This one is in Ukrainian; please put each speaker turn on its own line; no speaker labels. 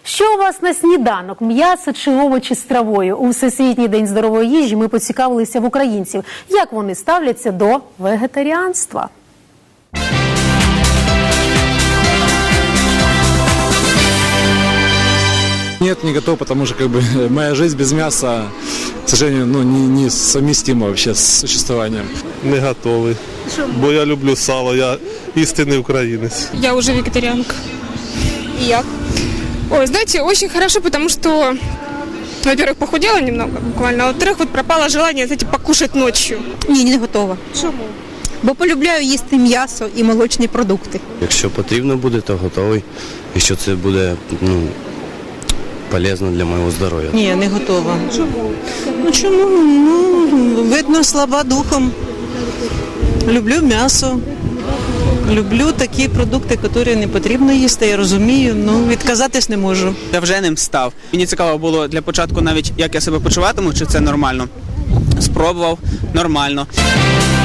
Що у вас на сніданок? М'ясо чи овочі з травою? У Всесвітній день здорової їжі ми поцікавилися в українців, як вони ставляться до вегетаріанства.
Нет, не готов, потому что моя жизнь без мяса, к сожалению, не совместима вообще с существованием.
Не готовий, бо я люблю сало, я істинний українець.
Я уже вегетарианка. И я? Ой, знаете, очень хорошо, потому что, во-первых, похудела немного буквально, а во-вторых, вот пропало желание, знаете, покушать ночью.
Ні, не готова.
Чому?
Бо полюбляю їсти м'ясо і молочні продукти.
Якщо потрібно буде, то готовий. Якщо це буде полезно для моєго здоров'я.
Ні, не готова.
Чому?
Чому? Видно, слаба духом. Люблю м'ясо. Люблю такі продукти, які не потрібно їсти, я розумію, відказатись не можу.
Я вже ним став. Мені цікаво було для початку навіть, як я себе почуватиму, чи це нормально. Спробував, нормально.